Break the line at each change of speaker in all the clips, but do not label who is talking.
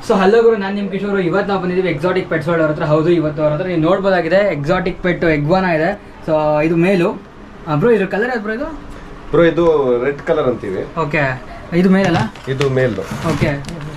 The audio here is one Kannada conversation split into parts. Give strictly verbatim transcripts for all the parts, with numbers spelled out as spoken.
ಸೊ ಹಲೋ ಗುರು, ನಾನು ನಿಮ್ಮ ಕಿಶೋರು. ಇವತ್ತು ನಾವು ಬಂದಿದ್ದೀವಿ ಎಕ್ಸಾಟಿಕ್ ಪೆಟ್ಸ್ ವರ್ಲ್ಡ್ ಅವ್ರ ಹತ್ರ. ಹೌದು, ಇವತ್ತು ಅವ್ರ ಹತ್ರ ನೀವು ನೋಡ್ಬೋದಾಗಿದೆ ಎಕ್ಸಾಟಿಕ್ ಪೆಟ್ ಎಗ್ವಾನ ಇದೆ. ಸೊ ಇದು ಮೇಲು ಬ್ರೋ. ಇದ್ರ ಕಲರ್ ಯಾವ್ದು ಬ್ರೋ? ಇದು
ಬ್ರೋ ಇದು ರೆಡ್ ಕಲರ್ ಅಂತೀವಿ.
ಓಕೆ, ಇದು ಮೇಲಲ್ಲ?
ಇದು ಮೇಲು.
ಓಕೆ,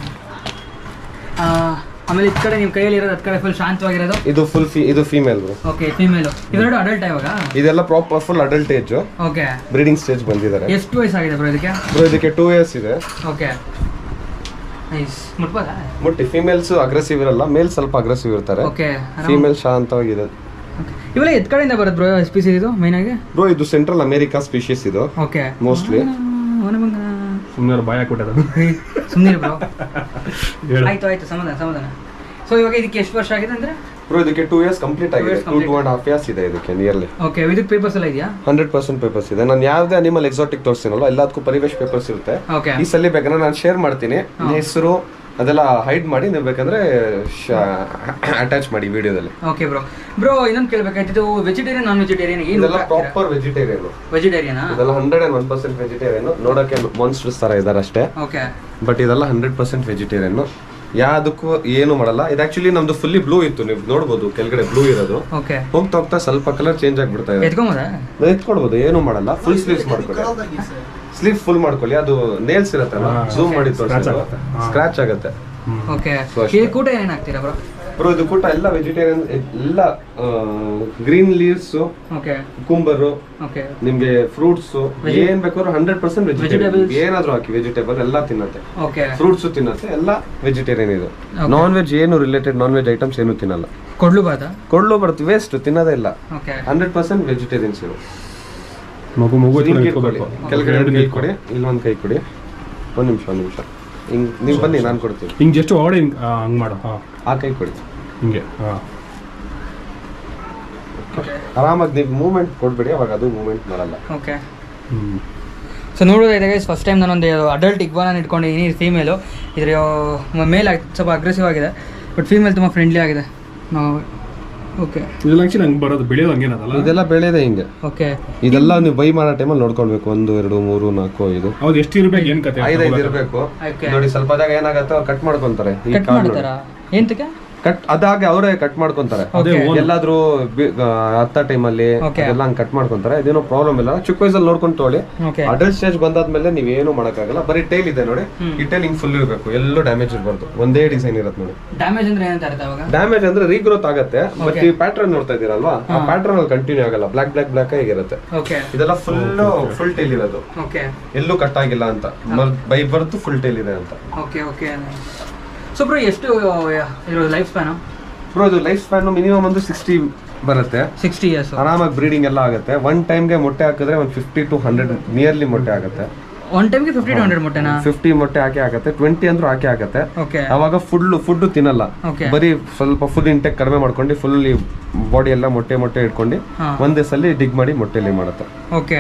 ಆಮೇಲೆ ಈ ಕಡೆ ನಿಮ್ಮ ಕೈಯಲ್ಲಿ ಇರೋದು, ಅದ್ ಕಡೆ ಫುಲ್ ಶಾಂತವಾಗಿರೋದು
ಇದು ಫುಲ್ ಇದು ಫೀಮೇಲ್ ಬ್ರೋ.
Okay, female. ಇವೆರಡು ಅಡಲ್ಟ್ ಇವಾಗ?
ಇದೆಲ್ಲ proper full adult age.
Okay,
breeding stage ಬಂದಿದ್ದಾರೆ.
ಎಷ್ಟು ವಯಸ್ಸಾಗಿದೆ ಬ್ರೋ ಇದಕ್ಕೆ?
ಬ್ರೋ ಇದಕ್ಕೆ ಟೂ ಇಯರ್ಸ್ ಇದೆ.
Okay, nice. ಮುಟ್ಬೋದಾ?
ಮುಟ್ಟಿ. ಫೀಮೇಲ್ಸ್ ಅಗ್ರೆಸಿವ್ ಇರಲ್ಲ, ಮೇಲ್ ಸ್ವಲ್ಪ ಅಗ್ರೆಸಿವ್ ಇರ್ತಾರೆ.
ಓಕೆ,
ಫೀಮೇಲ್ ಶಾಂತವಾಗಿದೆ.
ಇವೆಲ್ಲ ಎತ್ ಕಡೆಯಿಂದ ಬರುತ್ತೆ ಬ್ರೋ ಸ್ಪೀಸೀಸ್ ಇದು ಮೈನ್ ಆಗಿ?
ಬ್ರೋ ಇದು ಸೆಂಟ್ರಲ್ ಅಮೆರಿಕಾ ಸ್ಪೀಶೀಸ್ ಇದು.
Okay,
mostly.
ಸುಮ್ಮನೆ ಭಯ ಕೊಟ್ಟದ.
ಸುಮ್ಮನೆ ಬ್ರೋ. ಆಯ್ತು ಆಯ್ತು, ಸಮಾಧಾನ ಸಮಾಧಾನ. ಸೊ ಇವಾಗ ಇದಕ್ಕೆ ಎಷ್ಟು ವರ್ಷ ಆಗಿದೆ ಅಂದ್ರೆ?
ಬ್ರೋ ಇದಕ್ಕೆ ಟೂ ಇಯರ್ಸ್ ಕಂಪ್ಲೀಟ್ ಆಗಿದೆ. Two two and half years ಇದೆ ಇದಕ್ಕೆ ನಿಯರ್ಲಿ.
ಓಕೆ, ಇದಕ್ಕೆ ಪೇಪರ್ಸ್ ಎಲ್ಲ ಇದೆಯಾ?
ಹಂಡ್ರೆಡ್ ಪರ್ಸೆಂಟ್ ಪೇಪರ್ಸ್ ಇದೆ. ನಾನು ಯಾವ್ದೇ ಅನಿಮಲ್ ಎಕ್ಸಾಟಿಕ್ ತೋರಿಸ್ತೀನಲ್ಲ ಎಲ್ಲದಕ್ಕೂ ಪರಿವೇಶ್ ಪೇಪರ್ಸ್ ಇರುತ್ತೆ.
ಓಕೆ,
ಈ ಸಲ ಬೇಕಾದ್ರೆ ನಾನು ಶೇರ್ ಮಾಡ್ತೀನಿ. ಹೆಸರು ಅದೆಲ್ಲ ಹೈಡ್ ಮಾಡಿ ನೀವು ಬೇಕಂದ್ರೆ ಅಟ್ಯಾಚ್ ಮಾಡಿ ವಿಡಿಯೋದಲ್ಲಿ.
Okay bro. ಬ್ರೋ ಇನ್ನೊಂದು ಕೇಳಬೇಕಾಯ್ತು, ಇದು ವೆಜಿಟೇರಿಯನ್ ನಾನ್ ವೆಜಿಟೇರಿಯನ್?
ಇದೆಲ್ಲ ಪ್ರಾಪರ್ ವೆಜಿಟೇರಿಯನ್.
ವೆಜಿಟೇರಿಯನ್
ಇದೆಲ್ಲ hundred and one percent vegetarian. ನೋಡಕ್ಕೆ ಮಾನ್ಸ್ಟರ್ಸ್ ತರ ಇದಾರೆ ಅಷ್ಟೇ.
ಓಕೆ,
ಬಟ್ ಇದೆಲ್ಲ ಹಂಡ್ರೆಡ್ ಪರ್ಸೆಂಟ್ ವೆಜಿಟೇರಿಯನ್. ಯಾವ್ದಕ್ಕೂ ಏನು ಮಾಡಲ್ಲ. ಇದು ಆಕ್ಚುಲಿ ನಮ್ದು ಫುಲ್ಲಿ ಬ್ಲೂ ಇತ್ತು, ನೀವು ನೋಡ್ಬೋದು ಕೆಳಗಡೆ ಬ್ಲೂ ಇರೋದು.
ಓಕೆ,
ಹೋಗ್ತಾ ಹೋಗ್ತಾ ಸ್ವಲ್ಪ ಕಲರ್ ಚೇಂಜ್ ಆಗ್ಬಿಡ್ತಾ ಇದೆ.
ಎತ್ಕೊಂಬೋದಾ?
ಎತ್ಕೊಳ್ಬೋದು, ಏನು ಮಾಡಲ್ಲ. ಫುಲ್ ಸ್ಲೀವ್ಸ್ ಮಾಡ್ಕೊಳ್ಳಿ. ಸ್ಲೀವ್ ಫುಲ್ ಮಾಡ್ಕೊಳ್ಳಿ. ಅದು ನೇಲ್ಸ್ ಇರತ್ತಲ್ಲ, ಝೂಮ್ ಮಾಡಿ ತೋರಿಸಿ, ಸ್ಕ್ರಾಚ್ ಆಗುತ್ತೆ.
ಓಕೆ, ಈ ಕೂಟ ಏನೇನು ಹಾಕ್ತೀರಾ ಬ್ರೋ?
ಬ್ರೋ ಇದು ಕೂಟ ಎಲ್ಲ ವೆಜಿಟೇರಿಯನ್, ಎಲ್ಲ green leaves,
okay, cucumber, okay, ನಿಮ್ಗೆ ಫ್ರೂಟ್ಸ್ ಏನ್ ಬೇಕಾದ್ರೂ ಹಂಡ್ರೆಡ್ ಪರ್ಸೆಂಟ್ ವೆಜಿಟೇಬಲ್. ಏನಾದ್ರೂ ಹಾಕಿ ವೆಜಿಟೇಬಲ್ ಎಲ್ಲ ತಿನ್ನತ್ತೆ. ಓಕೆ, ಫ್ರೂಟ್ಸ್ ತಿನ್ನತ್ತೆ, ಎಲ್ಲ ವೆಜಿಟೇರಿಯನ್ ಇದು. ನಾನ್ ವೆಜ್ ಏನು ರಿಲೇಟೆಡ್ ನಾನ್ ವೆಜ್ ಐಟಮ್ಸ್ ಏನು ತಿನ್ನಲ್ಲ. ಕೊಡ್ಲು ಬಾತ ಕೊಡ್ಲು ಬರುತ್ತೆ, ವೇಸ್ಟ್, ತಿನ್ನೋದೇ ಇಲ್ಲ. ಹಂಡ್ರೆಡ್ ಪರ್ಸೆಂಟ್ ವೆಜಿಟೇರಿಯನ್ಸ್ ಇರು.
ಮಗು ಮಗು
ಕೆಳಗಡೆ ಕೈ ಕೊಡಿ, ಇಲ್ಲೊಂದು ಕೈ ಕೊಡಿ. ಒಂದ್ ನಿಮಿಷ ಒಂದ್ ನಿಮಿಷ ಹಿಂಗ್ ನೀವು ಬನ್ನಿ, ನಾನು ಕೊಡ್ತೀನಿ.
ಹಿಂಗ್ ಜಸ್ಟ್ ಹೊಡೆ, ಹಿಂಗ್ ಹಂಗ್ ಮಾಡು. ಹಾ,
ಆ ಕೈ ಕೊಡಿ
ಹಿಂಗೆ. ಹಾ,
ಆರಾಮಾಗಿ ನೀವು ಮೂವ್ಮೆಂಟ್ ಕೊಡ್ಬೇಡಿ, ಅವಾಗ ಅದು ಮೂವ್ಮೆಂಟ್ ಮಾಡಲ್ಲ.
ಓಕೆ. ಸೊ ನೋಡೋದಾಗಿದೆ ಗೈಸ್, ಫಸ್ಟ್ ಟೈಮ್ ನಾನೊಂದು ಅಡಲ್ಟ್ ಇಗ್ವಾನ ಇಟ್ಕೊಂಡಿದ್ದೀನಿ. ಇದು ಫೀಮೇಲು. ಇದ್ರ ಮೇಲ್ ಆಗಿ ಸ್ವಲ್ಪ ಅಗ್ರೆಸಿವ್ ಆಗಿದೆ, ಬಟ್ ಫೀಮೇಲ್ ತುಂಬ ಫ್ರೆಂಡ್ಲಿ ಆಗಿದೆ. ಓಕೆ, ಇದೆಲ್ಲ ಆಕ್ಚುಲಿ ಹಂಗೆ ಬರೋದು, ಬೆಳೆಯೋದು ಹಂಗೇನಲ್ಲ? ಇದೆಲ್ಲ ಬೆಳೆಯೋದೇ ಹಿಂಗೆ. ಓಕೆ, ಇದೆಲ್ಲ ನೀವು ಬೈ ಮಾಡೋ ಟೈಮಲ್ಲಿ ನೋಡ್ಕೊಳ್ಬೇಕು. ಒಂದು ಎರಡು ಮೂರು ನಾಲ್ಕು ಐದು. ಹೌದು, ಎಷ್ಟು ಇರಬೇಕು? ಏನು ಕತೆ? ಐದೈದು ಇರಬೇಕು ನೋಡಿ. ಸ್ವಲ್ಪ ಅದಾಗ ಏನಾಗತ್ತೆ, ಅವ್ರು ಕಟ್ ಮಾಡ್ಕೊಂತಾರೆ. ಈ ಎಂತಕ್ಕೆ ಕಟ್ ಅದಾಗೆ ಅವರೇ ಕಟ್ ಮಾಡ್ಕೊಂತಾರೆ. ಎಲ್ಲಾದ್ರೂ ಹತ್ತ ಟೈಮಲ್ಲಿ ಎಲ್ಲ ಹಂಗೆ ಕಟ್ ಮಾಡ್ಕೊಂತಾರೆ. ಇದೇನೋ ಪ್ರಾಬ್ಲಮ್ ಇಲ್ಲ. ಚಿಕ್ಕ ವಯಸ್ಸಲ್ಲಿ ನೋಡ್ಕೊಂಡು ತೊಗೊಳ್ಳಿ. ಅಡಲ್ಟ್ ಸ್ಟೇಜ್ ಬಂದಾದ್ಮೇಲೆ ನೀವೇನು ಮಾಡಕ್ಕಾಗಲ್ಲ. ಬರೀ ಟೈಲ್ ಇದೆ ನೋಡಿ, ಈ ಟೈಲ್ ಹಿಂಗ್ ಫುಲ್ ಇರಬೇಕು, ಎಲ್ಲೂ ಡ್ಯಾಮೇಜ್ ಇರಬಾರ್ದು. ಒಂದೇ ಡಿಸೈನ್ ಇರುತ್ತೆ ನೋಡಿ. ಡ್ಯಾಮೇಜ್ ಅಂದ್ರೆ ಏನಂತ ಅರ್ಥ? ಅವಾಗ ಡ್ಯಾಮೇಜ್ ಅಂದ್ರೆ ರೀಗ್ರೋತ್ ಆಗತ್ತೆ. ಬಟ್ ಈ ಪ್ಯಾಟರ್ನ್ ನೋಡ್ತಾ ಇದೀರಲ್ವಾ, ಆ ಪ್ಯಾಟರ್ನ್ ಅಲ್ಲಿ ಕಂಟಿನ್ಯೂ ಆಗಲ್ಲ. ಬ್ಲಾಕ್ ಬ್ಲಾಕ್ ಬ್ಲಾಕ್ ಆಗಿರುತ್ತೆ. ಇದೆಲ್ಲ ಫುಲ್ ಫುಲ್ ಟೈಲ್ ಇರೋದು, ಎಲ್ಲೂ ಕಟ್ ಆಗಿಲ್ಲ ಅಂತ. ಬೈ ಬರ್ತು ಫುಲ್ ಟೈಲ್ ಇದೆ ಅಂತ. Okay okay. ಸೊ ಬ್ರೋ ಎಷ್ಟು ಇರೋದು ಲೈಫ್ ಸ್ಪ್ಯಾನ್? ಬ್ರೋ ಇದು ಲೈಫ್ ಸ್ಪ್ಯಾನ್ ಮಿನಿಮಮ್ ಒಂದು ಸಿಕ್ಸ್ಟಿ ಬರುತ್ತೆ. ಸಿಕ್ಸ್ಟಿ ಇಯರ್ಸ್ ಆರಾಮಾಗಿ ಬ್ರೀಡಿಂಗ್ ಎಲ್ಲ ಆಗುತ್ತೆ. ಒನ್ ಟೈಮ್ಗೆ ಮೊಟ್ಟೆ ಹಾಕಿದ್ರೆ ಒಂದು ಫಿಫ್ಟಿ ಟು ಹಂಡ್ರೆಡ್ ನಿಯರ್ಲಿ ಮೊಟ್ಟೆ ಆಗುತ್ತೆ. ಒನ್ ಟೈಮ್ಗೆ ಫಿಫ್ಟಿ ಟು ಹಂಡ್ರೆಡ್ ಮೊಟ್ಟೆನಾ? ಫಿಫ್ಟಿ ಮೊಟ್ಟೆ ಹಾಕಿ ಆಗುತ್ತೆ. ಟ್ವೆಂಟಿ ಅಂದ್ರೂ ಹಾಕಿ ಆಗುತ್ತೆ. ಅವಾಗ ಫುಲ್ ಫುಡ್ ತಿನ್ನಲ್ಲ, ಬರೀ ಸ್ವಲ್ಪ ಫುಡ್ ಇಂಟೆಕ್ ಕಡಿಮೆ ಮಾಡ್ಕೊಂಡು ಫುಲ್ ಬಾಡಿ ಎಲ್ಲ ಮೊಟ್ಟೆ ಮೊಟ್ಟೆ ಇಟ್ಕೊಂಡು ಒಂದೇ ಸಲ ಡಿಗ್ ಮಾಡಿ ಮೊಟ್ಟೆಲಿ ಮಾಡುತ್ತೆ. ಓಕೆ,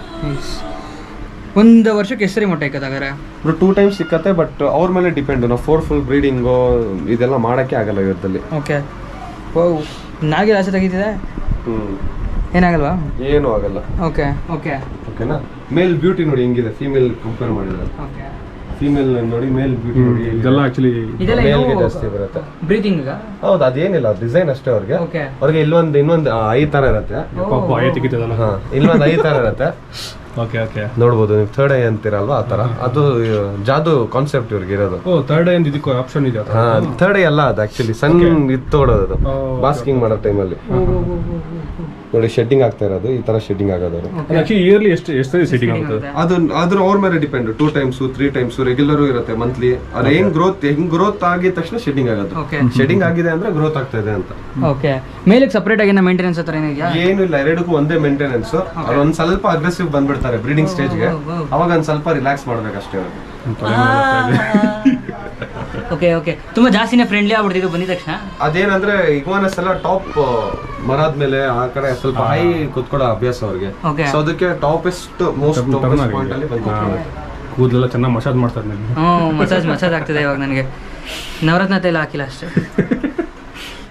ಒಂದು ವರ್ಷಕ್ಕೆ ಎಷ್ಟು ಸರಿ ಮೊಟ್ಟೆ ಇಕ್ಕತ್ತಾಗಾರೆ? ಟೂ ಟೈಮ್ಸ್ ಸಿಕ್ಕತ್ತೆ, ಬಟ್ ಅವ್ರ ಮೇಲೆ ಡಿಪೆಂಡ್. ನಾವು ಫೋರ್ ಫುಲ್ ಬ್ರೀಡಿಂಗು ಇದೆಲ್ಲ ಮಾಡೋಕ್ಕೆ ಆಗಲ್ಲ ಇವತ್ತಲ್ಲಿ. ಓಕೆ, ಓ ನಾಗಿ ಆಸೆ ತೆಗಿತಿದೆ. ಹ್ಞೂ, ಏನಾಗಲ್ವಾ? ಏನೂ ಆಗಲ್ಲ. ಓಕೆ ಓಕೆ ಓಕೆನಾ. ಮೇಲ್ ಬ್ಯೂಟಿ ನೋಡಿ ಹೆಂಗಿದೆ, ಫೀಮೇಲ್ ಕಂಪೇರ್ ಮಾಡಿದ್ರೆ. ಓಕೆ, ಫೀಮೇಲ್ ನೋಡಿ, ಮೇಲ್ ಬ್ಯೂಟಿ ನೋಡಿ. ಇದೆಲ್ಲ ಆಕ್ಚುಲಿ ಮೇಲ್ಗೆ ಜಾಸ್ತಿ ಬರುತ್ತೆ ಬ್ರೀದಿಂಗ್. ಹೌದು, ಅದೇನಿಲ್ಲ, ಡಿಸೈನ್ ಅಷ್ಟೇ. ಅವ್ರಿಗೆ ಅವ್ರಿಗೆ ಇಲ್ಲೊಂದು ಇನ್ನೊಂದು ಐ ತರ ಇರುತ್ತೆ. ಇಲ್ಲೊಂದು ಐ ತರ ಇರುತ್ತೆ. ಓಕೆ ಓಕೆ, ನೋಡ್ಬೋದು ನೀವು. ಥರ್ಡ್ ಐ ಅಂತೀರಲ್ವಾ, ಆ ತರ. ಅದು ಜಾದು ಕಾನ್ಸೆಪ್ಟ್ ಇವ್ರಿಗೆ ಇರೋದು. ಓ, ಥರ್ಡ್ ಐ ಅಂತ ಇದಕ್ಕೆ ಆಪ್ಷನ್ ಇದೆ? ಹಾ, ಥರ್ಡ್ ಐ ಅಲ್ಲ, ಅದು ಆಕ್ಚುಲಿ ಸಣ್ಣ ಇದು ತಗೊಳೋದು ಬಾಸ್ಕಿಂಗ್ ಮಾಡೋ ಟೈಮಲ್ಲಿ. ನೋಡಿ ಶೆಡ್ಡಿಂಗ್ ಆಗ್ತಾ ಇರೋದು, ಈ ತರ ಶೆಡ್ಡಿಂಗ್ ಆಗೋದು. ಇಯರ್ಲಿ ಎಷ್ಟು ಎಷ್ಟು ಶೆಡ್ಡಿಂಗ್ ಆಗುತ್ತೆ? ಅದು ಅದ್ರ ಅವ್ರ ಮೇಲೆ depend. Two times three times regular ಇರುತ್ತೆ, ಮಂತ್ಲಿ. ಅದು ಹೆಂಗ್ ಗ್ರೋತ್ ಹೆಂಗ್ ಗ್ರೋತ್ ಆಗಿದ ತಕ್ಷಣ ಶೆಡ್ಡಿಂಗ್ ಆಗೋದು. ಶೆಡ್ಡಿಂಗ್ ಆಗಿದೆ ಅಂದ್ರೆ ಗ್ರೋತ್ ಆಗ್ತಾ ಇದೆ ಅಂತ. ಓಕೆ, ಮೇಲೆ ಸಪರೇಟ್ ಆಗಿ ಮೇಂಟೆನೆನ್ಸ್ ಹತ್ರ ಏನಿದೆಯಾ? ಏನು ಇಲ್ಲ, ಎರಡಕ್ಕೂ ಒಂದೇ ಮೇಂಟೆನೆನ್ಸ್. ಅವ್ರು ಒಂದ್ ಸ್ವಲ್ಪ ಅಗ್ರೆಸಿವ್ ಬಂದ್ಬಿಡ್ತಾರೆ ಬ್ರೀಡಿಂಗ್ ಸ್ಟೇಜ್ಗೆ, ಅವಾಗ ಒಂದ್ ಸ್ವಲ್ಪ ರಿಲ್ಯಾಕ್ಸ್ ಮಾಡ್ಬೇಕಷ್ಟೇ ಅವ್ರಿಗೆ. ಓಕೆ ಓಕೆ, ತುಂಬಾ ಜಾಸ್ತಿನೇ ಫ್ರೆಂಡ್ಲಿ ಆಗ್ಬಿಡ್ತಿದ್ದು ಬಂದಿದ ತಕ್ಷಣ. ಅದೇನಂದ್ರೆ ಇಗ್ವಾನಸ್ ಎಲ್ಲ ಟಾಪ್ ಮರದ ಮೇಲೆ ಆ ಕಡೆ ಸ್ವಲ್ಪ ಹೈ ಕುತ್ಕೊಳ್ಳೋ ಅಭ್ಯಾಸ ಅವ್ರಿಗೆ. ಸೊ ಅದಕ್ಕೆ ಟಾಪೆಸ್ಟ್ ಮೋಸ್ಟ್ ಪಾಯಿಂಟ್ ಅಲ್ಲಿ ಬಂದು ಕೂದಲೆಲ್ಲ ಚೆನ್ನಾಗಿ ಮಸಾಜ್ ಮಾಡ್ತಾರೆ. ಹ್ಞೂ, ಮಸಾಜ್ ಮಸಾಜ್ ಆಗ್ತಿದೆ ಇವಾಗ ನನಗೆ. ನವರತ್ನ ತೈಲ ಹಾಕಿಲ್ಲ ಅಷ್ಟೇ.